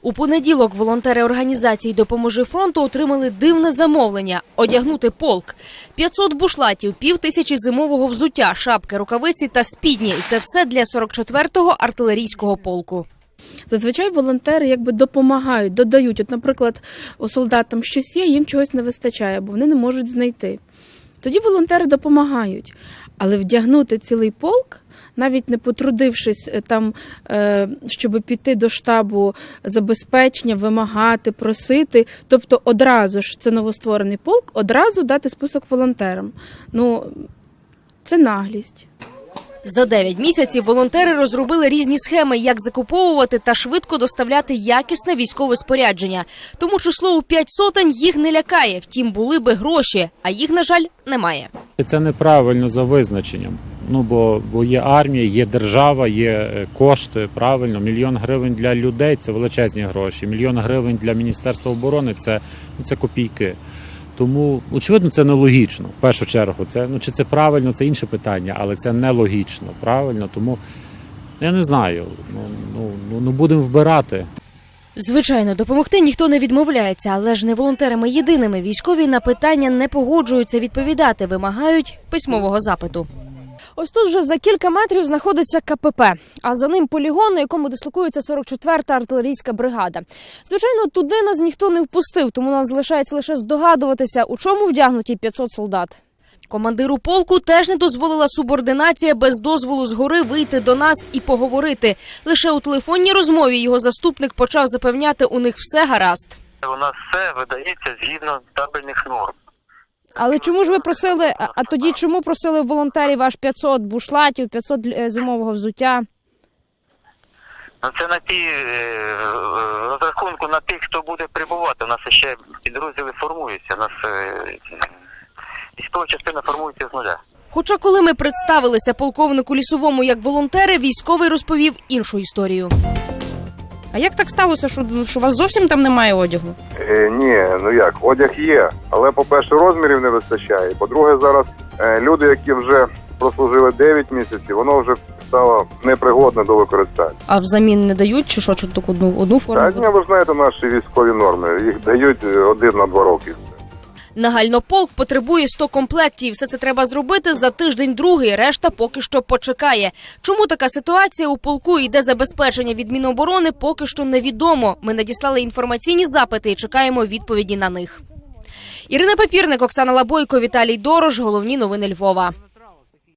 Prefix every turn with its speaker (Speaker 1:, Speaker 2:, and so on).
Speaker 1: У понеділок волонтери організації «Допоможи фронту» отримали дивне замовлення – одягнути полк. 500 бушлатів, 5000 зимового взуття, шапки, рукавиці та спідні. І це все для 44-го артилерійського полку.
Speaker 2: Зазвичай волонтери допомагають, додають. От, наприклад, у солдатам щось є, їм чогось не вистачає, бо вони не можуть знайти. Тоді волонтери допомагають. Але вдягнути цілий полк, навіть не потрудившись там, щоб піти до штабу забезпечення, вимагати, просити, тобто одразу ж, це новостворений полк, одразу дати список волонтерам. Це наглість.
Speaker 1: За 9 місяців волонтери розробили різні схеми, як закуповувати та швидко доставляти якісне військове спорядження. Тому число у 5 сотень їх не лякає. Втім, були би гроші, а їх, на жаль, немає.
Speaker 3: Це неправильно за визначенням. Бо є армія, є держава, є кошти, правильно. 1 мільйон гривень для людей – це величезні гроші. 1 мільйон гривень для Міністерства оборони – це копійки. Тому, очевидно, це нелогічно, в першу чергу. Чи це правильно, це інше питання, але це нелогічно, правильно? Тому, я не знаю, будемо вбирати.
Speaker 1: Звичайно, допомогти ніхто не відмовляється, але ж не волонтерами єдиними. Військові на питання не погоджуються відповідати, вимагають письмового запиту. Ось тут вже за кілька метрів знаходиться КПП, а за ним полігон, на якому дислокується 44-та артилерійська бригада. Звичайно, туди нас ніхто не впустив, тому нам залишається лише здогадуватися, у чому вдягнуті 500 солдат. Командиру полку теж не дозволила субординація без дозволу згори вийти до нас і поговорити. Лише у телефонній розмові його заступник почав запевняти, у них все гаразд.
Speaker 4: У нас все видається згідно табельних норм.
Speaker 1: Але чому ж ви просили, а тоді чому просили волонтерів аж 500 бушлатів, 500 зимового взуття?
Speaker 4: Це на розрахунку на тих, хто буде прибувати. У нас ще підрозділи формуються. У нас військова частина формується з нуля.
Speaker 1: Хоча коли ми представилися полковнику Лісовому як волонтери, військовий розповів іншу історію. А як так сталося, що у вас зовсім там немає одягу?
Speaker 5: Ні, одяг є, але, по-перше, розмірів не вистачає. По-друге, зараз люди, які вже прослужили 9 місяців, воно вже стало непригодне до використання.
Speaker 1: А взамін не дають, чи що, тільки одну форму?
Speaker 5: Так, ви знаєте наші військові норми, їх дають 1 на 2 роки.
Speaker 1: Нагально полк потребує 100 комплектів. Все це треба зробити за тиждень-другий, решта поки що почекає. Чому така ситуація у полку і де забезпечення від Міноборони, поки що невідомо. Ми надіслали інформаційні запити і чекаємо відповіді на них. Ірина Папірник, Оксана Лабойко, Віталій Дорож. Головні новини Львова.